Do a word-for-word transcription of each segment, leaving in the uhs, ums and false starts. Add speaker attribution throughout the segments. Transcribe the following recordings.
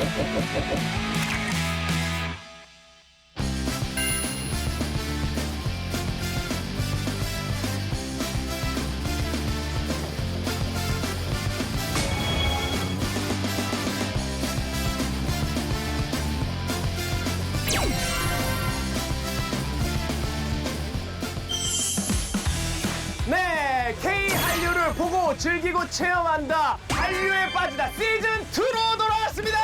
Speaker 1: 네, K 한류를 보고 즐기고 체험한다. 한류에 빠지다 시즌 투로 돌아왔습니다.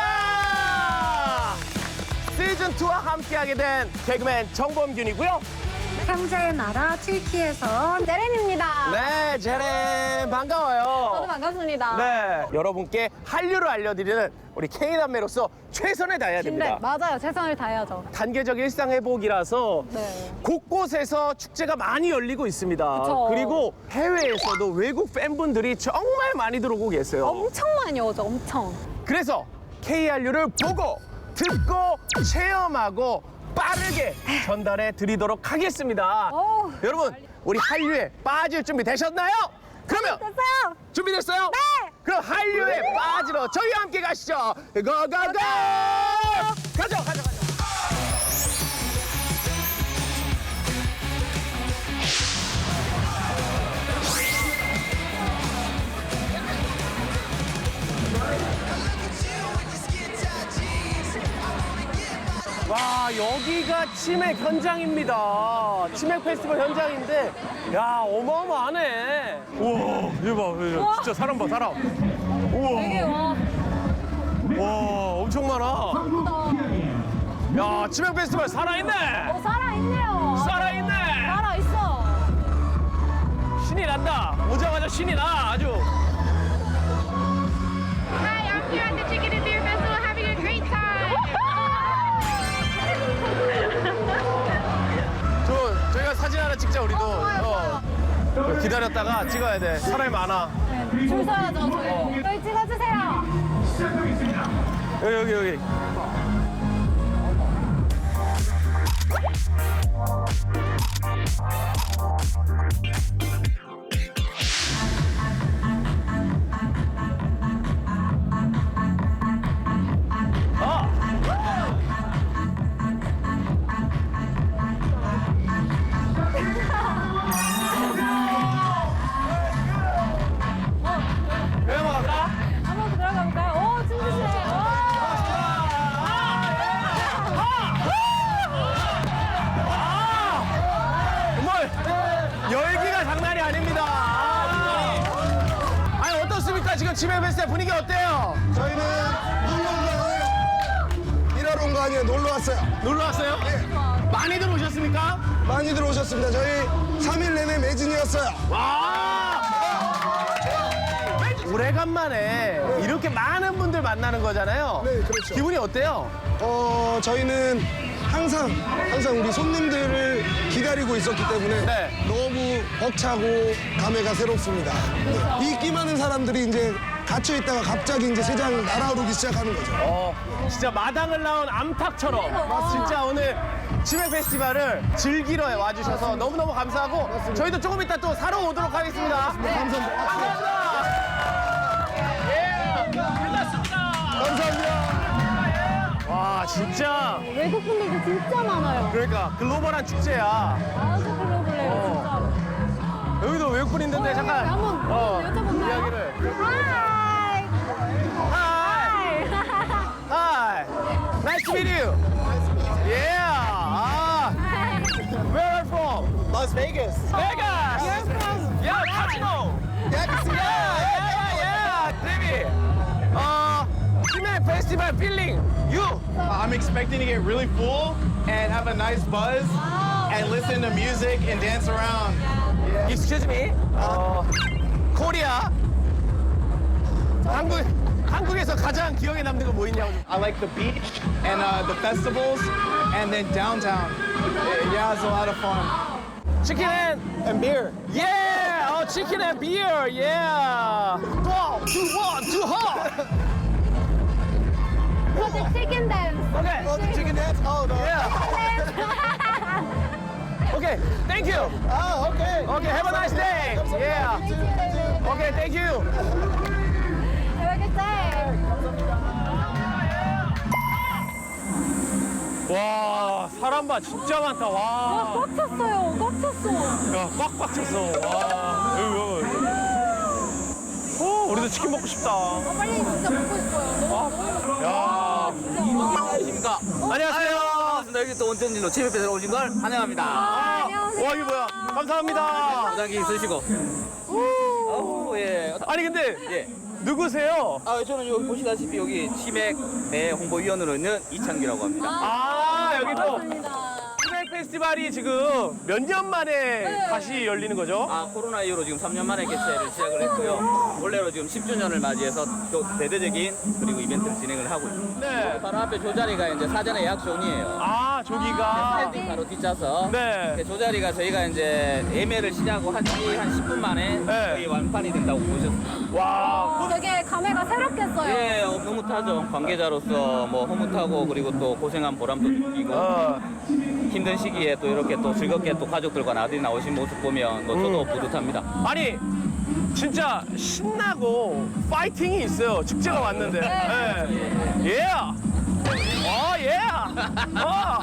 Speaker 1: 시즌 투와 함께하게 된 개그맨 정범균이고요.
Speaker 2: 형제의 나라 튀르키예에서 제렌입니다.
Speaker 1: 네, 제렌 반가워요.
Speaker 2: 저도 반갑습니다.
Speaker 1: 네, 여러분께 한류를 알려드리는 우리 K남매로서 최선을 다해야
Speaker 2: 네,
Speaker 1: 됩니다.
Speaker 2: 맞아요. 최선을 다해야죠.
Speaker 1: 단계적 일상 회복이라서
Speaker 2: 네.
Speaker 1: 곳곳에서 축제가 많이 열리고 있습니다.
Speaker 2: 그쵸.
Speaker 1: 그리고 해외에서도 외국 팬분들이 정말 많이 들어오고 계세요.
Speaker 2: 엄청 많이 오죠. 엄청.
Speaker 1: 그래서 K한류를 보고 듣고 체험하고 빠르게 전달해 드리도록 하겠습니다.
Speaker 2: 어우,
Speaker 1: 여러분, 우리 한류에 빠질 준비 되셨나요? 그러면
Speaker 2: 됐어요.
Speaker 1: 준비됐어요?
Speaker 2: 네.
Speaker 1: 그럼 한류에 빠지러 저희와 함께 가시죠. 고고고! 가죠, 가죠, 가죠. 와, 여기가 치맥 현장입니다. 치맥 페스티벌 현장인데, 야, 어마어마하네. 우와, 이거 봐, 진짜 사람 봐, 사람. 우와.
Speaker 2: 되게 와.
Speaker 1: 와, 엄청 많아. 야, 치맥 페스티벌 살아있네.
Speaker 2: 어, 살아있네요.
Speaker 1: 살아있네.
Speaker 2: 살아있어.
Speaker 1: 신이 난다. 오자마자 신이 나, 아주.
Speaker 3: Hi, I'm here at the Chicken and Beer Festival having a great time.
Speaker 1: 저, 저희가 사진 하나 찍자, 우리도. 어. 기다렸다가 찍어야 돼. 사람이 많아.
Speaker 2: 줄 서야죠, 저희. 저희 찍어주세요.
Speaker 1: 여기, 여기, 여기. 왜 먹을까?
Speaker 2: 한번 들어가 볼까요? 오, 춤추시네.
Speaker 1: 정말 열기가 장난이 아닙니다. 아, 아니 어떻습니까? 지금 치맥 페스티벌 분위기 어때요?
Speaker 4: 저희는 놀러 온 거예요. 일하러 온 거 아니에요. 놀러 왔어요.
Speaker 1: 놀러 왔어요? 많이들 오셨습니까?
Speaker 4: 많이들 오셨습니다. 저희 삼 일 내내 매진이었어요.
Speaker 1: 와! 오래간만에 이렇게 많은 분들 만나는 거잖아요.
Speaker 4: 네, 그렇죠.
Speaker 1: 기분이 어때요?
Speaker 4: 어, 저희는 항상, 항상 우리 손님들을 기다리고 있었기 때문에
Speaker 1: 네.
Speaker 4: 너무 벅차고 감회가 새롭습니다. 네. 인기 많은 사람들이 이제 갇혀 있다가 갑자기 이제 세상 날아오르기 시작하는 거죠.
Speaker 1: 어, 진짜 마당을 나온 암탉처럼 진짜 오늘 치맥 페스티벌을 즐기러 와주셔서 너무너무 감사하고 저희도 조금 이따 또 사러 오도록 하겠습니다. 네, 감사합니다. 감사합니다. 예, 끝났습니다.
Speaker 4: 감사합니다.
Speaker 1: 와, 진짜
Speaker 2: 외국 분들도 진짜 많아요.
Speaker 1: 그러니까 글로벌한 축제야.
Speaker 2: 아주 글로벌해요, 진짜로.
Speaker 1: 여기도 외국분 있는데 잠깐
Speaker 2: 네, 한번
Speaker 1: 어,
Speaker 2: 여쭤볼까요?
Speaker 1: 이야기를.
Speaker 2: 하이.
Speaker 1: Hi.
Speaker 2: 하이.
Speaker 1: Hi. Nice to meet you. Yeah. Ah. Where are you from?
Speaker 4: Las Vegas.
Speaker 1: Vegas.
Speaker 2: You're from
Speaker 1: Yeah, Casino.
Speaker 4: Yeah, casino.
Speaker 1: Yeah, yeah, yeah. Baby. Uh, Chimek Festival feeling. You.
Speaker 5: I'm expecting to get really full and have a nice buzz and listen to music and dance around.
Speaker 1: Excuse me. 어, 코리아. 한국 한국에서 가장 기억에 남는 거 뭐 있냐고. 좀.
Speaker 5: I like the beach and uh, the festivals and then downtown. Yeah, it's a lot of fun.
Speaker 1: Chicken and, and beer. Yeah. Oh, chicken and beer. Yeah. Wow. Too hot. Too hot.
Speaker 2: For the chicken dance.
Speaker 1: Okay.
Speaker 4: Oh, the chicken dance? Oh, no.
Speaker 1: Yeah. Okay. Thank you.
Speaker 4: Oh, okay.
Speaker 1: Okay. Have a nice day. Yeah. Okay. Thank you.
Speaker 2: Have a good day.
Speaker 1: 와, 사람 봐, 진짜 많다. 와.
Speaker 2: 와, 꽉 찼어요. 꽉 찼어.
Speaker 1: 야, 꽉꽉 찼어. 와. 여기, 여기. 어, 우리도 치킨 먹고 싶다.
Speaker 2: 아, 빨리 진짜 먹고 싶어요. 너무
Speaker 1: 야.
Speaker 6: 안녕하십니까.
Speaker 1: 안녕하세요.
Speaker 6: 반갑습니다. 여기 또 온천진로 치맥패스로 오신 걸 환영합니다.
Speaker 2: 아, 안녕하세요.
Speaker 1: 와, 이게 뭐야? 감사합니다.
Speaker 6: 부장기 쓰시고. 아우, 예.
Speaker 1: 아니, 근데
Speaker 6: 예.
Speaker 1: 누구세요?
Speaker 6: 아, 저는 여기 보시다시피 여기 치맥 내 홍보위원으로 있는 이창규라고 합니다.
Speaker 1: 아, 여기 또
Speaker 2: 반갑습니다.
Speaker 1: 치맥 페스티벌이 지금 몇 년 만에 다시 열리는 거죠?
Speaker 6: 아, 코로나 이후로 지금 삼 년 만에 개최를 시작을 했고요. 원래로 지금 십 주년을 맞이해서 또 대대적인 그리고 이벤트를 진행을 하고 있습니다.
Speaker 1: 네.
Speaker 6: 바로 앞에 저 자리가 이제 사전에 예약 존이에요.
Speaker 1: 아, 저기가.
Speaker 6: 스탠딩 바로 뒷좌석.
Speaker 1: 네.
Speaker 6: 저 자리가 저희가 이제 예매를 시작하고 한지 한 십 분 만에
Speaker 1: 네.
Speaker 6: 거의 완판이 된다고 보셨습니다.
Speaker 1: 와.
Speaker 2: 되게 감회가 새롭겠어요.
Speaker 6: 예, 어, 흐뭇하죠. 관계자로서 뭐 흐뭇하고 그리고 또 고생한 보람도 느끼고
Speaker 1: 어.
Speaker 6: 힘든 시기에 또 이렇게 또 즐겁게 또 가족들과 나들이 나오신 모습 보면 뭐 저도 뿌듯합니다.
Speaker 1: 아니, 진짜 신나고 파이팅이 있어요. 축제가 왔는데. 예. 예. 어, 예. 어.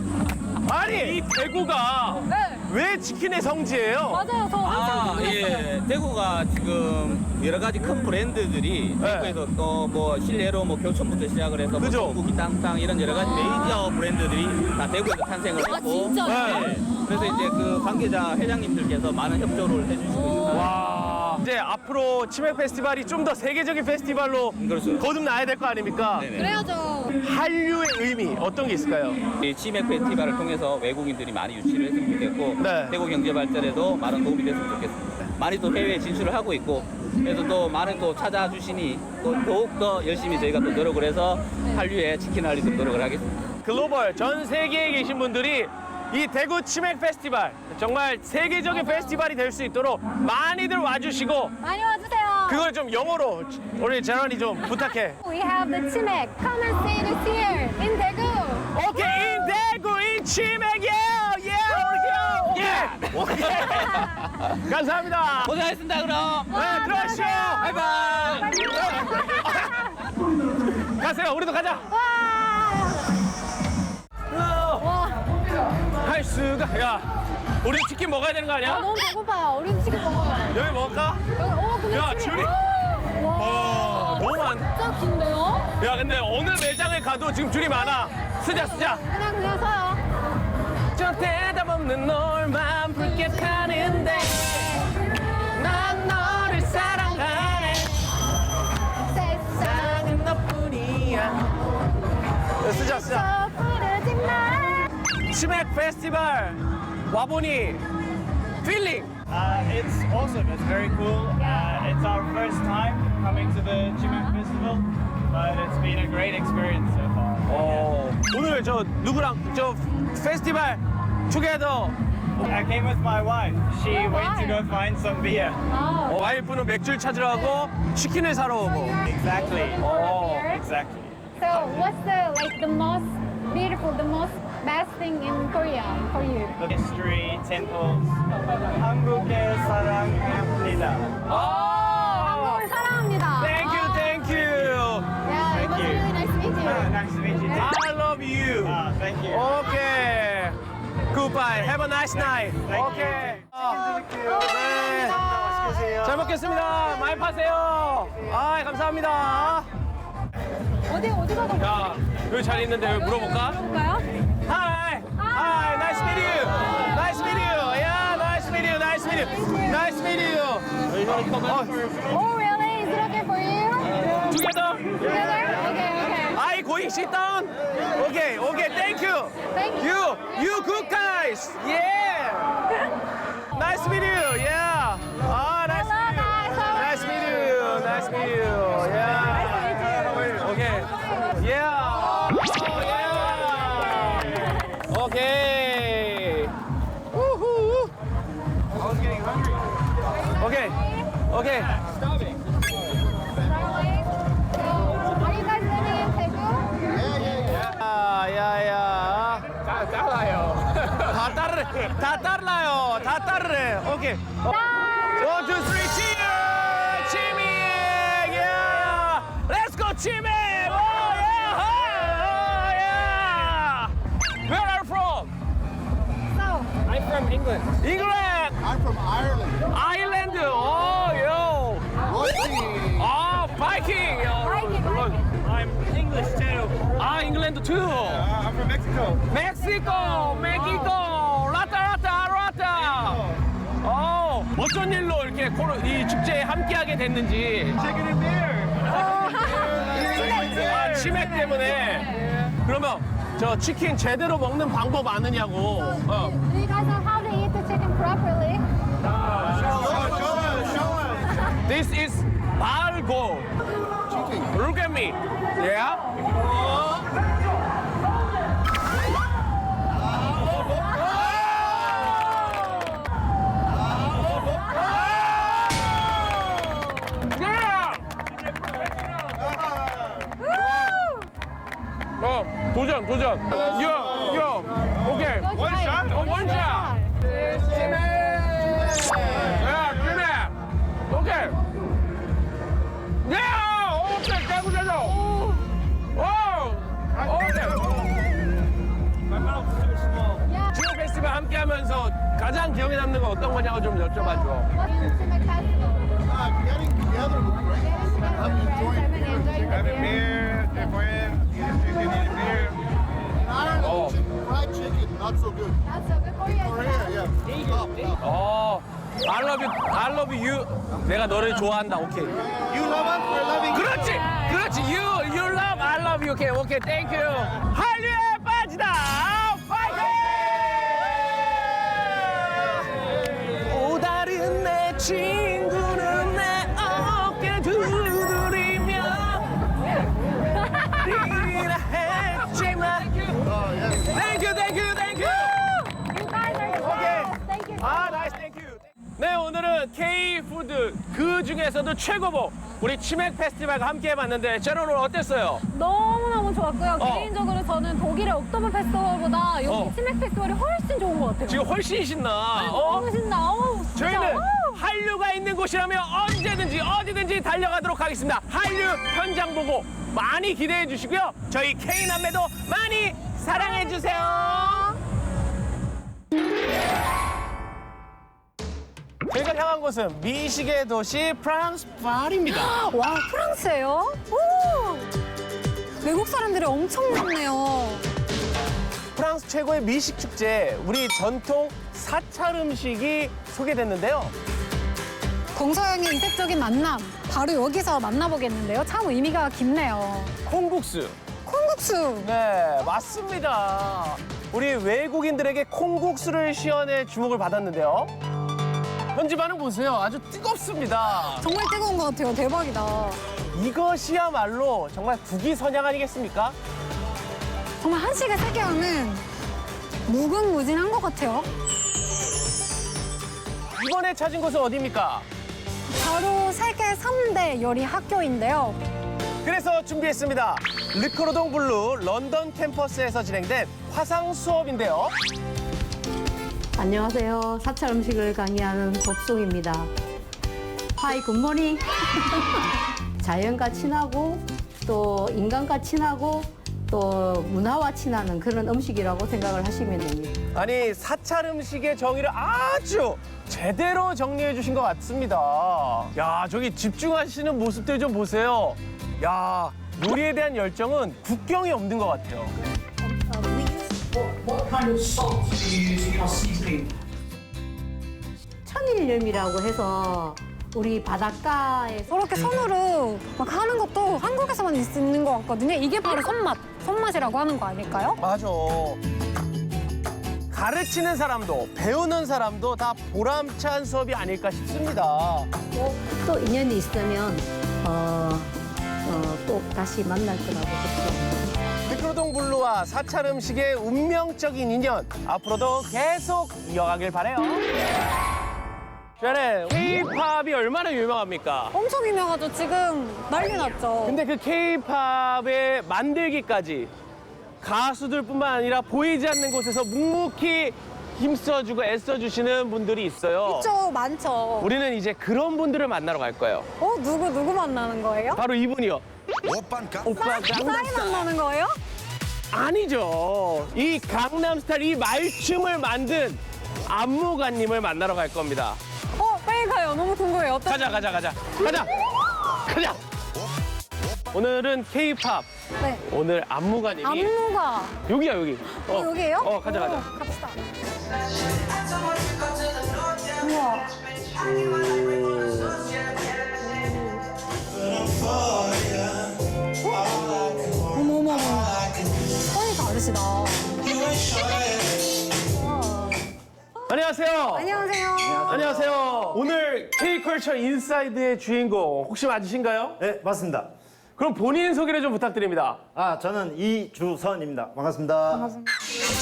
Speaker 1: 아니, 이 대구가
Speaker 2: 네.
Speaker 1: 왜 치킨의 성지예요?
Speaker 2: 맞아요. 저
Speaker 6: 아,
Speaker 2: 한참 궁금했어요.
Speaker 6: 예. 대구가 지금 여러 가지 큰 브랜드들이
Speaker 1: 네.
Speaker 6: 대구에서 또 뭐 실내로 뭐 교촌부터 시작을 해서 뭐
Speaker 1: 그죠?
Speaker 6: 전국이 땅땅 이런 여러 가지 메이저 브랜드들이 다 대구에서 탄생을
Speaker 2: 아,
Speaker 6: 했고
Speaker 2: 진짜요?
Speaker 6: 네. 그래서 이제 그 관계자 회장님들께서 많은 협조를 해주시고 있습니다.
Speaker 1: 와. 이제 앞으로 치맥 페스티벌이 좀 더 세계적인 페스티벌로
Speaker 6: 그렇죠.
Speaker 1: 거듭나야 될 거 아닙니까?
Speaker 6: 네네.
Speaker 2: 그래야죠.
Speaker 1: 한류의 의미 어떤 게 있을까요?
Speaker 6: 이 치맥 페스티벌을 통해서 외국인들이 많이 유치를 했으면 좋겠고
Speaker 1: 네.
Speaker 6: 대구 경제 발전에도 많은 도움이 됐으면 좋겠습니다. 많이 또 해외에 진출을 하고 있고 그래서 또 많은 또 찾아주시니 또 더욱 더 열심히 저희가 또 노력을 해서 한류에 치킨을 알리도록 노력을 하겠습니다.
Speaker 1: 글로벌 전 세계에 계신 분들이 이 대구 치맥 페스티벌 정말 세계적인 페스티벌이 될 수 있도록 많이들 와주시고
Speaker 2: 많이 와주세요.
Speaker 1: 그걸 좀 영어로 우리 재런이 좀 부탁해.
Speaker 2: We have the 치맥. Come and see this here in 대구.
Speaker 1: 오케이, 인 대구 인 치맥이요, 예, 오케이, 예, 오케이. 감사합니다.
Speaker 6: 고생하셨습니다. 그럼
Speaker 1: 네, 들어가시죠.
Speaker 6: 바이바이.
Speaker 1: 가세요. 우리도 가자.
Speaker 2: 와,
Speaker 1: 할 수가. 야, 우리 치킨 먹어야 되는 거
Speaker 2: 아,
Speaker 1: 아니야?
Speaker 2: 너무 배고파요. 우리 치킨 먹어요.
Speaker 1: 여기 먹을까?
Speaker 2: 여기, 어, 근데
Speaker 1: 야,
Speaker 2: 줄이-
Speaker 1: 줄이-
Speaker 2: 와,
Speaker 1: 어, 너무 많.
Speaker 2: 진짜 긴데요?
Speaker 1: 야, 근데 어느 매장에 가도 지금 줄이 많아. 쓰자, 쓰자.
Speaker 2: 그냥 그냥 서요.
Speaker 1: 저 대답 없는 너만 붉게 타는데 난 너를 사랑하네.
Speaker 2: 세상
Speaker 1: 사랑은 너뿐이야. 쓰자, 쓰자.
Speaker 2: 저 부르지 마.
Speaker 1: 치맥 페스티벌 와보니 필링.
Speaker 7: Uh, it's awesome. It's very cool. Uh, it's our first time coming to the Chimek Festival, but it's been a great experience so far.
Speaker 1: 어, 오늘 저 누구랑 저 페스티벌 투게더
Speaker 7: I came with my wife. She
Speaker 2: Oh,
Speaker 7: went to
Speaker 2: why?
Speaker 7: go find some beer.
Speaker 2: 아,
Speaker 1: 어, 와이프는 맥주를 찾으러 가고 치킨을 사러 오고.
Speaker 7: Exactly.
Speaker 1: 어,
Speaker 7: Exactly.
Speaker 2: So what's the like the most beautiful, the most best thing in Korea for you?
Speaker 7: The history, temples. 한국의 사랑합니다.
Speaker 1: 아,
Speaker 2: 한국을 사랑합니다.
Speaker 1: Thank you, thank you.
Speaker 2: Yeah, it was
Speaker 7: you.
Speaker 2: really nice to meet you.
Speaker 7: Ah, nice to meet you. too.
Speaker 1: I love you.
Speaker 7: Ah, thank you.
Speaker 1: Okay. Goodbye. Have a nice night.
Speaker 7: Thank you.
Speaker 1: Okay.
Speaker 7: 네. 맛있게
Speaker 1: 잘 먹겠습니다. 많이 파세요. 아, 감사합니다.
Speaker 2: 어디 어디 가서
Speaker 1: 야, 여기 잘 있는데 여기 물어볼까?
Speaker 2: 볼까요?
Speaker 1: Hi. Hi. Nice to meet you. Nice to meet you. Yeah, nice to meet you. Nice to meet you. Nice to meet you. Oh,
Speaker 2: Oh really? Is it okay for you?
Speaker 1: together.
Speaker 2: Together? Okay, okay.
Speaker 1: I going sit down. Okay, okay. Thank you.
Speaker 2: Thank you.
Speaker 1: You, you good guys. Yeah. Nice to meet you. Yeah. Ah, nice to meet you. Nice to meet you. Nice to meet you. Yeah. Okay. Yeah. Oh, yeah. Okay. Woohoo.
Speaker 7: I was getting hungry.
Speaker 1: Okay. Okay.
Speaker 2: Are you guys living in Daegu?
Speaker 1: 야, 야, 야.
Speaker 5: 잘라요.
Speaker 1: 다 따르래. 다 따라요. 다 따르래. 오케이. One, two, three, cheers! 치맥! Yeah! Let's go, 치맥! Oh, yeah! Oh, yeah! England. England.
Speaker 8: I'm from Ireland.
Speaker 1: Ireland. Oh, yo.
Speaker 8: Rugby.
Speaker 1: Oh, Viking.
Speaker 7: I'm English too.
Speaker 1: 아, 잉글랜드 too.
Speaker 7: Uh, I'm from Mexico.
Speaker 1: 멕시코, 멕시코, 라타 라타 라타. 어, 어쩐 일로 이렇게 코로, 이 축제에 함께하게 됐는지.
Speaker 7: Chicken and beer.
Speaker 1: 아, 치맥 때문에. 그러면 저 치킨 제대로 먹는 방법 아느냐고. 어.
Speaker 2: Do you guys know how to eat the chicken properly?
Speaker 1: This is 발고. Look at me. Yeah. 어, 도전, 도전. 요, 요. 오케이.
Speaker 2: One shot?
Speaker 1: 어, 원샷. 야, 그래. 오케이. 야, 오케이. 깨고 자자. 오, 오케이.
Speaker 7: My mouth is too small.
Speaker 1: 지오 페스티벌 함께하면서 가장 기억에 남는 건 어떤 거냐고 좀 여쭤봐줘.
Speaker 2: What's the Chimek festival?
Speaker 8: Uh, getting together with friends.
Speaker 2: Getting together with friends, having enjoying the
Speaker 7: Having
Speaker 2: beer.
Speaker 7: beer, they're friends, eating chicken, eating beer.
Speaker 8: In Ireland,
Speaker 1: Oh.
Speaker 8: chicken, fried chicken, not so good.
Speaker 2: That's so good for you.
Speaker 8: Korea, yeah. Top, top.
Speaker 1: 어, I love you, I love you. 내가 너를 좋아한다. 오케이.
Speaker 7: You love us, we're loving you.
Speaker 1: 그렇지, 그렇지. You, you love, I love you. 오케이, 오케이. Thank you. 한류에 빠지다. 파이팅! 또 다른 내 친구는 내 어깨 두드리며 이라 했지만. Thank you, thank you, thank you.
Speaker 2: You guys are the best. Thank you.
Speaker 1: 아, 나이스, 땡큐. 네, 오늘은 K-푸드 그 중에서도 최고봉 우리 치맥 페스티벌과 함께 해봤는데 제로 오늘 어땠어요?
Speaker 2: 너무너무 좋았고요.
Speaker 1: 어.
Speaker 2: 개인적으로 저는 독일의 옥토버 페스티벌보다 여기
Speaker 1: 어.
Speaker 2: 치맥 페스티벌이 훨씬 좋은 것 같아요.
Speaker 1: 지금 훨씬 신나. 어?
Speaker 2: 너무 신나. 어우, 진짜.
Speaker 1: 저희는
Speaker 2: 어우.
Speaker 1: 한류가 있는 곳이라면 언제든지 어디든지 달려가도록 하겠습니다. 한류 현장 보고 많이 기대해 주시고요. 저희 K남매도 많이 사랑해 주세요. 저희가 향한 곳은 미식의 도시 프랑스 파리입니다.
Speaker 2: 와, 프랑스예요? 오! 외국 사람들이 엄청 많네요.
Speaker 1: 프랑스 최고의 미식 축제, 우리 전통 사찰 음식이 소개됐는데요.
Speaker 2: 동서양의 이색적인 만남, 바로 여기서 만나보겠는데요. 참 의미가 깊네요.
Speaker 1: 콩국수.
Speaker 2: 콩국수.
Speaker 1: 네, 맞습니다. 우리 외국인들에게 콩국수를 시연해 주목을 받았는데요. 현지 반응 보세요. 아주 뜨겁습니다.
Speaker 2: 정말 뜨거운 것 같아요. 대박이다.
Speaker 1: 이것이야말로 정말 국위선양 아니겠습니까?
Speaker 2: 정말 한식을 세게 하는 무궁무진한 것 같아요.
Speaker 1: 이번에 찾은 곳은 어디입니까?
Speaker 2: 바로 세계 삼 대 요리 학교인데요.
Speaker 1: 그래서 준비했습니다. 르크로동 블루 런던 캠퍼스에서 진행된 화상 수업인데요.
Speaker 9: 안녕하세요. 사찰 음식을 강의하는 법송입니다. 하이 굿모닝. 자연과 친하고 또 인간과 친하고 또 문화와 친하는 그런 음식이라고 생각을 하시면 됩니다.
Speaker 1: 아니, 사찰 음식의 정의를 아주 제대로 정리해 주신 것 같습니다. 야, 저기 집중하시는 모습들 좀 보세요. 야, 요리에 대한 열정은 국경이 없는 것 같아요.
Speaker 9: 천일염이라고 해서 우리 바닷가에
Speaker 2: 저렇게 손으로 막 하는 것도 한국에서만 있는 것 같거든요. 이게 바로 손맛, 손맛이라고 하는 거 아닐까요?
Speaker 1: 맞아. 가르치는 사람도 배우는 사람도 다 보람찬 수업이 아닐까 싶습니다.
Speaker 9: 또 인연이 있으면 어, 어, 또 다시 만날 거라고 그렇죠.
Speaker 1: 르크로동 블루와 사찰 음식의 운명적인 인연 앞으로도 계속 이어가길 바래요. 샤넬, K-팝이 얼마나 유명합니까?
Speaker 2: 엄청 유명하죠. 지금 난리 났죠.
Speaker 1: 근데 그 K-팝의 만들기까지 가수들뿐만 아니라 보이지 않는 곳에서 묵묵히 힘써주고 애써주시는 분들이 있어요.
Speaker 2: 있죠, 많죠.
Speaker 1: 우리는 이제 그런 분들을 만나러 갈 거예요.
Speaker 2: 어, 누구, 누구 만나는 거예요?
Speaker 1: 바로 이분이요. 오빠
Speaker 2: 싸이
Speaker 1: 강남스타일.
Speaker 2: 만나는 거예요?
Speaker 1: 아니죠. 이 강남스타일 이 말춤을 만든 안무가님을 만나러 갈 겁니다.
Speaker 2: 어, 빨리 가요. 너무 궁금해요. 어떤
Speaker 1: 가자, 가자, 가자. 가자! 가자! 오늘은 K-팝.
Speaker 2: 네.
Speaker 1: 오늘 안무가님이.
Speaker 2: 안무가.
Speaker 1: 여기야, 여기.
Speaker 2: 어, 여기에요?
Speaker 1: 어, 가자, 가자.
Speaker 2: 오, 갑시다. 우와. 어머, 어머, 어머. 톤이 다르시다. 우와.
Speaker 1: 안녕하세요.
Speaker 2: 안녕하세요.
Speaker 1: 안녕하세요. 오늘 K-컬처 인사이드의 주인공 혹시 맞으신가요?
Speaker 10: 네, 맞습니다.
Speaker 1: 그럼 본인 소개를 좀 부탁드립니다.
Speaker 10: 아, 저는 이주선입니다. 반갑습니다.
Speaker 2: 반갑습니다.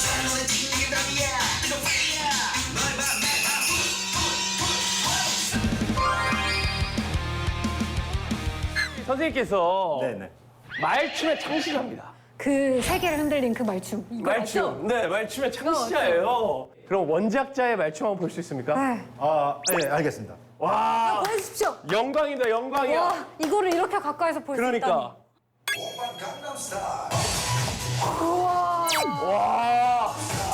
Speaker 1: 선생님께서
Speaker 10: 네네.
Speaker 1: 말춤의 창시자입니다.
Speaker 2: 그 세계를 흔들린 그 말춤. 이거 맞죠?
Speaker 1: 말춤. 네, 말춤의 창시자예요. 그럼 원작자의 말춤 한번 볼 수 있습니까?
Speaker 2: 네.
Speaker 10: 아, 네, 알겠습니다.
Speaker 1: 와,
Speaker 2: 보여주십시오.
Speaker 1: 영광이다, 영광이야.
Speaker 2: 와, 이거를 이렇게 가까이서 볼 수 있다니.
Speaker 1: 그러니까.
Speaker 2: 우와,
Speaker 1: 와,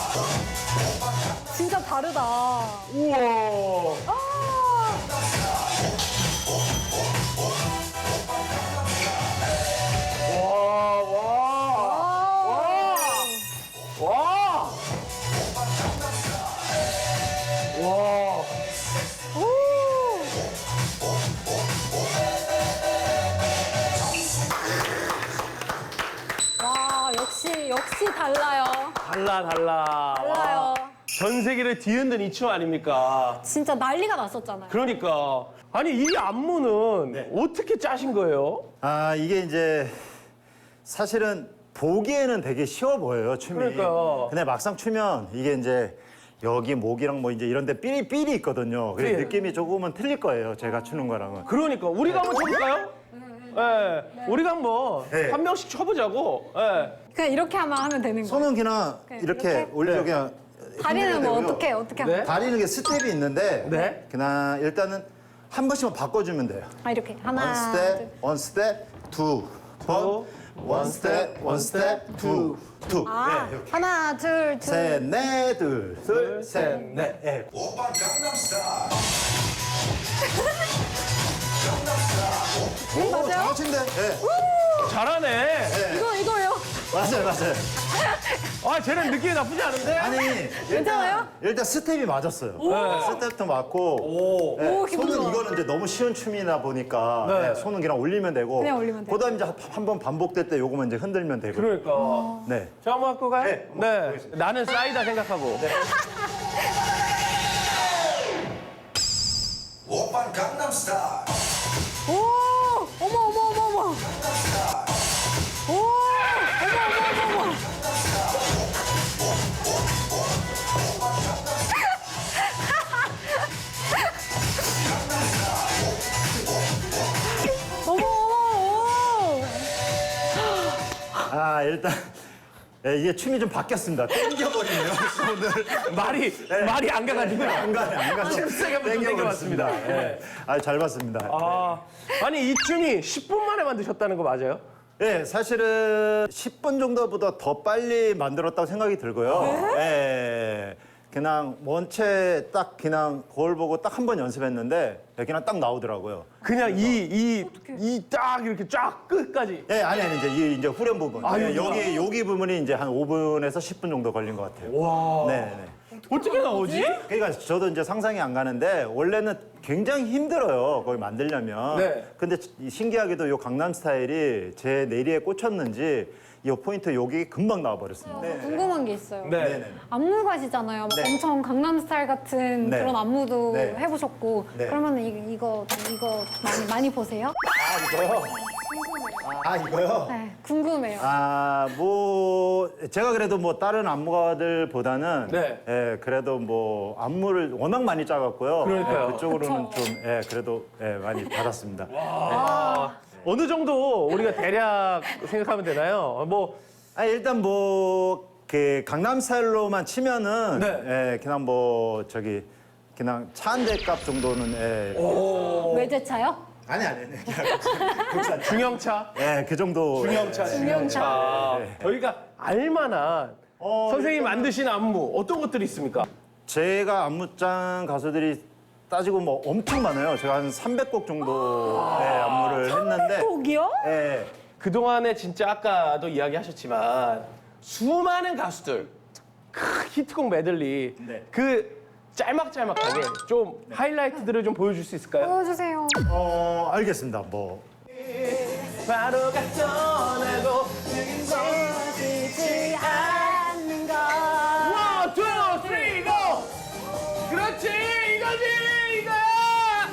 Speaker 2: 진짜 다르다.
Speaker 1: 우와.
Speaker 2: 아,
Speaker 1: 와, 와, 와, 와. 와.
Speaker 2: 와, 역시 역시 달라요.
Speaker 1: 달라, 달라.
Speaker 2: 달라요.
Speaker 1: 전 세계를 뒤흔든 이 춤 아닙니까?
Speaker 2: 진짜 난리가 났었잖아요.
Speaker 1: 그러니까. 아니, 이 안무는 어떻게 짜신 거예요?
Speaker 10: 아, 이게 이제 사실은 보기에는 되게 쉬워 보여요, 춤이.
Speaker 1: 그러니까요.
Speaker 10: 근데 막상 추면 이게 이제 여기 목이랑 뭐 이제 이런 데 삘이 삘이 있거든요. 그래서
Speaker 1: 네.
Speaker 10: 느낌이 조금은 틀릴 거예요, 제가 추는 거랑은.
Speaker 1: 그러니까. 우리가 한번 쳐볼까요? 예. 우리가 한번
Speaker 10: 네.
Speaker 1: 한 명씩 쳐보자고. 예.
Speaker 2: 그냥 이렇게 하면 하면 되는 거예요.
Speaker 10: 손은 그냥
Speaker 2: 그냥
Speaker 10: 이렇게,
Speaker 2: 이렇게?
Speaker 10: 올려 그냥
Speaker 2: 다리는
Speaker 10: 흔들면
Speaker 2: 뭐
Speaker 10: 되고요.
Speaker 2: 어떻게 어떻게
Speaker 1: 네.
Speaker 2: 하면?
Speaker 10: 다리는 게 스텝이 있는데
Speaker 1: 네.
Speaker 10: 그냥 일단은 한 번씩만 바꿔주면 돼요.
Speaker 2: 아, 이렇게 하나,
Speaker 10: 원
Speaker 2: 둘.
Speaker 10: 스텝, 원 스텝, 두 번, 원 스텝, 원 스텝, 두, 두.
Speaker 2: 아,
Speaker 10: 네, 이렇게.
Speaker 2: 하나, 둘, 둘.
Speaker 10: 셋, 넷, 둘, 둘, 셋,
Speaker 1: 셋,
Speaker 10: 넷. 예.
Speaker 2: 오,
Speaker 10: 오,
Speaker 2: 맞아요?
Speaker 10: 잘하신데? 예.
Speaker 1: 잘하네.
Speaker 2: 이거 이거요?
Speaker 10: 맞아요, 맞아요.
Speaker 1: 아, 쟤는 느낌이 나쁘지 않은데?
Speaker 10: 아니,
Speaker 2: 괜찮아요?
Speaker 10: 일단 스텝이 맞았어요. 스텝도 맞고.
Speaker 1: 오.
Speaker 10: 예,
Speaker 2: 오, 기분
Speaker 10: 손은
Speaker 2: 좋아.
Speaker 10: 이거는 이제 너무 쉬운 춤이다 보니까
Speaker 1: 네.
Speaker 10: 예, 손은 그냥 올리면 되고.
Speaker 2: 그냥 올리면 돼요.
Speaker 10: 그다음 이제 한 번 반복될 때 요거만 이제 흔들면 되고.
Speaker 1: 그러니까.
Speaker 10: 네.
Speaker 1: 저 한번 갖고 가요?
Speaker 10: 네, 한번
Speaker 1: 네.
Speaker 10: 보겠습니다.
Speaker 1: 나는 싸이다 생각하고.
Speaker 2: 오, 어머 어머 어머 어머. 오, 어머 어머 어머 어머. 어머 어머.
Speaker 10: 아, 일단. 예, 이게 춤이 좀 바뀌었습니다. 땡겨버리네요, 오늘.
Speaker 1: 말이, 말이 안 가가지고.
Speaker 10: 안 가네, 안 가서.
Speaker 1: 잽싸게 한번 좀 땡겨봤습니다.
Speaker 10: 예. 아, 잘 봤습니다.
Speaker 1: 아, 아니, 이 춤이 십 분 만에 만드셨다는 거 맞아요?
Speaker 10: 네, 사실은 십 분 정도보다 더 빨리 만들었다고 생각이 들고요. 예. 그냥 원체 딱 그냥 거울 보고 딱 한 번 연습했는데 그냥 딱 나오더라고요.
Speaker 1: 그냥 이, 이, 이 딱 이렇게 쫙 끝까지.
Speaker 10: 예, 아니 아니 이제 이 이제 후렴 부분.
Speaker 1: 아,
Speaker 10: 예,
Speaker 1: 여기구나.
Speaker 10: 여기 여기 부분이 이제 한 오 분에서 십 분 정도 걸린 것 같아요.
Speaker 1: 와.
Speaker 10: 네, 네.
Speaker 1: 어떻게 나오지?
Speaker 10: 그러니까 저도 이제 상상이 안 가는데 원래는 굉장히 힘들어요. 거기 만들려면.
Speaker 1: 네.
Speaker 10: 근데 이 신기하게도 요 강남 스타일이 제 내리에 꽂혔는지 이 포인트 여기 금방 나와버렸습니다.
Speaker 2: 저 궁금한 게 있어요.
Speaker 1: 네.
Speaker 10: 네네.
Speaker 2: 안무가시잖아요. 막
Speaker 10: 네.
Speaker 2: 엄청 강남 스타일 같은
Speaker 10: 네.
Speaker 2: 그런 안무도
Speaker 10: 네.
Speaker 2: 해보셨고.
Speaker 10: 네.
Speaker 2: 그러면 이, 이거 이거 많이 많이 보세요?
Speaker 10: 아 이거요? 아 이거요?
Speaker 2: 네, 궁금해요.
Speaker 10: 아, 뭐 제가 그래도 뭐 다른 안무가들보다는
Speaker 1: 네.
Speaker 10: 예, 그래도 뭐 안무를 워낙 많이 짜갖고요.
Speaker 1: 그러니까요.
Speaker 10: 예, 그쪽으로는
Speaker 2: 그쵸.
Speaker 10: 좀 예, 그래도 예, 많이 받았습니다.
Speaker 1: 어느 정도 우리가 대략 생각하면 되나요? 뭐,
Speaker 10: 아, 일단 뭐 그 강남 스타일로만 치면은
Speaker 1: 네.
Speaker 10: 예, 그냥 뭐 저기 그냥 차 한 대 값 정도는 예.
Speaker 2: 외제차요?
Speaker 10: 아니 아니 아니. 그냥
Speaker 1: 중형차?
Speaker 10: 예, 그 정도.
Speaker 1: 중형차, 중형차.
Speaker 10: 네.
Speaker 1: 저희가 알만한
Speaker 10: 어,
Speaker 1: 선생님
Speaker 10: 일단은-
Speaker 1: 만드신 안무 어떤 것들이 있습니까?
Speaker 10: 제가 안무짱 가수들이 따지고 뭐 엄청 많아요. 제가 한 삼백 곡 정도 네, 안무를 했는데.
Speaker 2: 곡이요?
Speaker 10: 네.
Speaker 1: 그동안에 진짜 아까도 이야기하셨지만 수많은 가수들 크, 히트곡 메들리
Speaker 10: 네.
Speaker 1: 그 짤막짤막하게 좀 하이라이트들을 좀 보여줄 수 있을까요?
Speaker 2: 보여주세요.
Speaker 10: 어, 알겠습니다. 뭐.
Speaker 1: 바로가 떠나고
Speaker 2: 보여주지 않는 것.
Speaker 1: 원, 투, 쓰리, 고! 그렇지 이거지 이거야!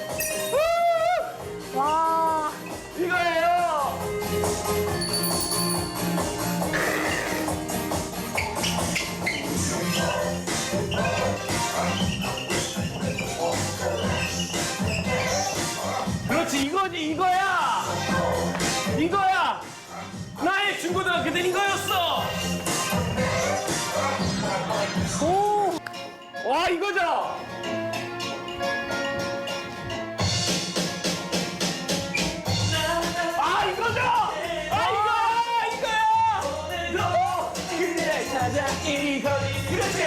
Speaker 1: 우!
Speaker 2: 와.
Speaker 1: 이거예요! 그렇지 이거지 이거야! 이거야! 나의 중고등학교 때 이거였어! 오! 와 이거죠? 아 이거죠? 아 이거야! 이거야! 너 그날 찾아 이거지 그렇지!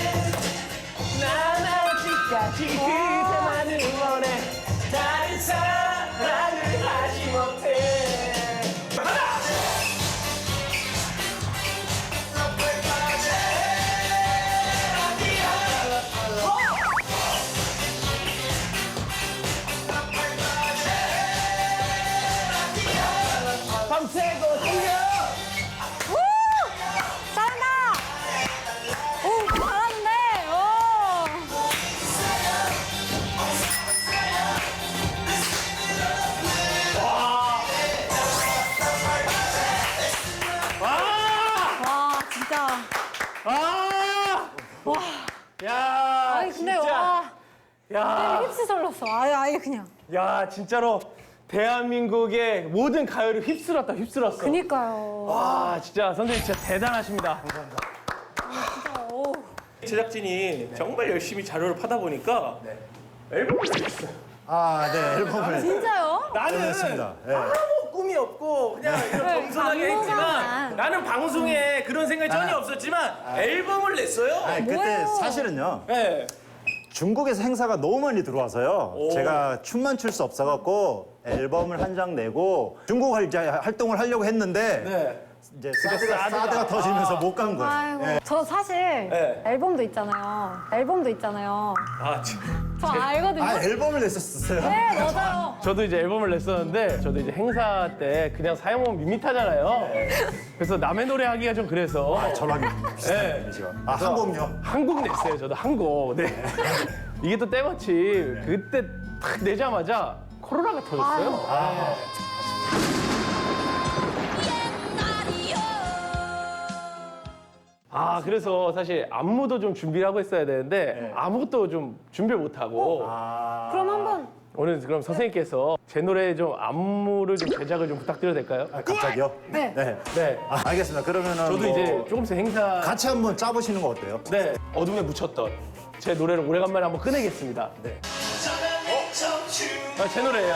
Speaker 1: 난 아직까지 그대만을 원해 다른 사랑을 하지 못해 하나! 밤새고 뛰어!
Speaker 2: 잘한다. 오, 잘하는데. 오. 와, 진짜.
Speaker 1: 아!
Speaker 2: 와.
Speaker 1: 야,
Speaker 2: 아니 근데
Speaker 1: 진짜.
Speaker 2: 와.
Speaker 1: 야,
Speaker 2: 힙스 설렀어. 아예 아예 그냥.
Speaker 1: 야, 진짜로 대한민국의 모든 가요를 휩쓸었다, 휩쓸었어.
Speaker 2: 그니까요.
Speaker 1: 와, 진짜 선생님 진짜 대단하십니다.
Speaker 2: 오.
Speaker 1: 제작진이 정말 열심히 자료를 파다 보니까 앨범을 냈어요.
Speaker 10: 아, 네, 앨범을.
Speaker 2: 진짜요?
Speaker 1: 나는
Speaker 10: 냈습니다. 네.
Speaker 1: 아무 꿈이 없고 그냥 이런
Speaker 2: 네,
Speaker 1: 겸손하게
Speaker 2: 방송만.
Speaker 1: 했지만 나는 방송에 그런 생각이 전혀 없었지만 앨범을 냈어요.
Speaker 10: 아니, 그때
Speaker 2: 뭐예요?
Speaker 10: 사실은요.
Speaker 1: 네.
Speaker 10: 중국에서 행사가 너무 많이 들어와서요.
Speaker 1: 오.
Speaker 10: 제가 춤만 출 수 없어갖고 앨범을 한 장 내고 중국 할- 이제 활동을 하려고 했는데
Speaker 1: 네.
Speaker 10: 이제 사드가,
Speaker 1: 사드가.
Speaker 10: 사드가 터지면서 못 간 거예요.
Speaker 2: 아이고.
Speaker 10: 예.
Speaker 2: 저 사실
Speaker 1: 네.
Speaker 2: 앨범도 있잖아요. 앨범도 있잖아요.
Speaker 1: 아, 참.
Speaker 2: 저 알거든요.
Speaker 10: 아, 앨범을 냈었어요?
Speaker 2: 네, 맞아요.
Speaker 1: 저도 이제 앨범을 냈었는데 저도 이제 행사 때 그냥 사용하면 밋밋하잖아요. 그래서 남의 노래 하기가 좀 그래서
Speaker 10: 저랑 비슷한
Speaker 1: 네.
Speaker 10: 이미지가. 아, 한 곡요?
Speaker 1: 한 곡 냈어요. 저도 한 곡. 네. 이게 또 때마침 그때 탁 내자마자 코로나가 터졌어요. 아. 아, 그래서 사실 안무도 좀 준비를 하고 있어야 되는데 아무것도 좀 준비를 못 하고
Speaker 10: 아.
Speaker 2: 그럼 한번
Speaker 1: 오늘 그럼 선생님께서 제 노래 좀 안무를 좀 제작을 좀 부탁드려도 될까요?
Speaker 10: 아, 갑자기요?
Speaker 2: 네.
Speaker 10: 네.
Speaker 1: 네.
Speaker 10: 아, 알겠습니다. 그러면은
Speaker 1: 저도
Speaker 10: 뭐
Speaker 1: 이제 조금씩 행사
Speaker 10: 같이 한번 짜보시는 거 어때요?
Speaker 1: 네 어둠에 묻혔던 제 노래를 오래간만에 한번 꺼내겠습니다.
Speaker 10: 네.
Speaker 1: 아, 제 노래예요.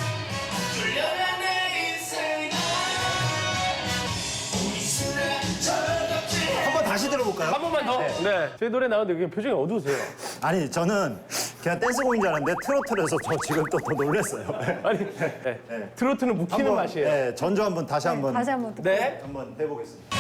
Speaker 10: 한번 다시 들어볼까요?
Speaker 1: 한 번만 더. 네. 제 노래 나오는데 그냥 표정이 어두우세요.
Speaker 10: 아니, 저는 그냥 댄스곡인 줄 알았는데 트로트라서 저 지금 또 더 놀랐어요.
Speaker 1: 아니, 네. 트로트는 묵히는
Speaker 10: 한번,
Speaker 1: 맛이에요.
Speaker 10: 네, 전주 한번 다시 한번
Speaker 2: 다시 한번 듣고.
Speaker 1: 네.
Speaker 10: 한번 해보겠습니다.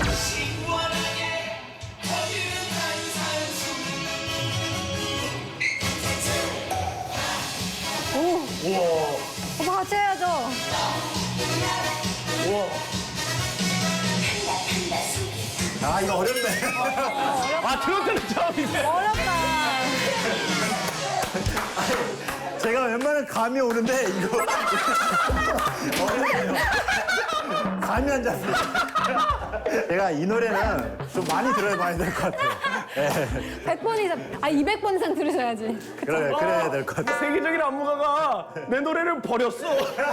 Speaker 2: 오빠 같이 해야죠.
Speaker 1: 우와.
Speaker 10: 아, 이거 어렵네.
Speaker 1: 아, 트로트는 처음이네.
Speaker 2: 어렵다.
Speaker 10: 제가 웬만하면 감이 오는데 이거 어렵네요. 감이 안 잡혀요. 제가 이 노래는 좀 많이 들어봐야 될 것 같아요. 네.
Speaker 2: 백 번 이상, 아 이백 번 이상 들으셔야지.
Speaker 10: 그래, 그래야 될 것 같아요.
Speaker 1: 세계적인 안무가가 내 노래를 버렸어.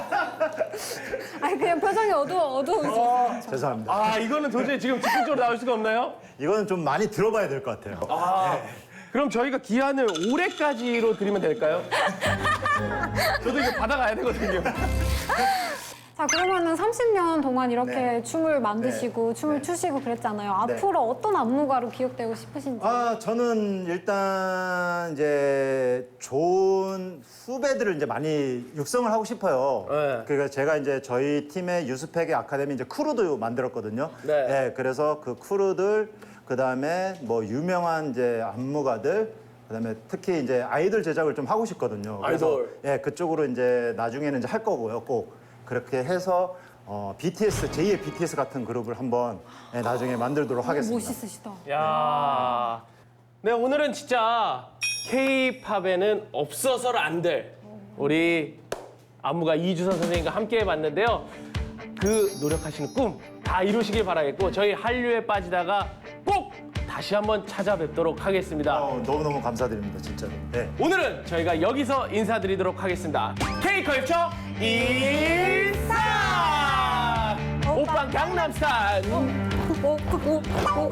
Speaker 2: 아니 그냥 표정이 어두워 어두워.
Speaker 10: 죄송합니다.
Speaker 1: 아, 이거는 도저히 지금 즉흥적으로 나올 수가 없나요?
Speaker 10: 이거는 좀 많이 들어봐야 될 것 같아요.
Speaker 1: 아, 그럼 저희가 기한을 올해까지로 드리면 될까요? 저도 이거 받아가야 되거든요.
Speaker 2: 자, 그러면은 삼십 년 동안 이렇게
Speaker 10: 네.
Speaker 2: 춤을 만드시고 춤을
Speaker 10: 네.
Speaker 2: 추시고 그랬잖아요.
Speaker 10: 네.
Speaker 2: 앞으로 어떤 안무가로 기억되고 싶으신지.
Speaker 10: 아, 저는 일단 이제 좋은 후배들을 이제 많이 육성을 하고 싶어요.
Speaker 1: 네.
Speaker 10: 그러니까 제가 이제 저희 팀의 유스펙의 아카데미 이제 크루도 만들었거든요.
Speaker 1: 네.
Speaker 10: 그래서 그 크루들, 그 다음에 뭐 유명한 이제 안무가들, 그 다음에 특히 이제 아이돌 제작을 좀 하고 싶거든요. 그래서
Speaker 1: 아이돌.
Speaker 10: 예, 그쪽으로 이제 나중에는 이제 할 거고요. 꼭 그렇게 해서 어, 비티에스, 제이의 비티에스 같은 그룹을 한번 예, 나중에 만들도록 하겠습니다.
Speaker 2: 멋있으시다.
Speaker 1: 야, 네 오늘은 진짜 K-팝에는 없어서는 안 될 우리 안무가 이주선 선생님과 함께 해봤는데요. 그 노력하시는 꿈 다 이루시길 바라겠고 저희 한류에 빠지다가 꼭 다시 한번 찾아뵙도록 하겠습니다.
Speaker 10: 어, 너무너무 감사드립니다, 진짜로. 네.
Speaker 1: 오늘은 저희가 여기서 인사드리도록 하겠습니다. K-컬처 인싸! 오빠 강남스타일!
Speaker 2: 오, 오, 오.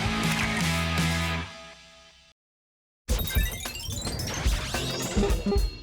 Speaker 1: Thank you.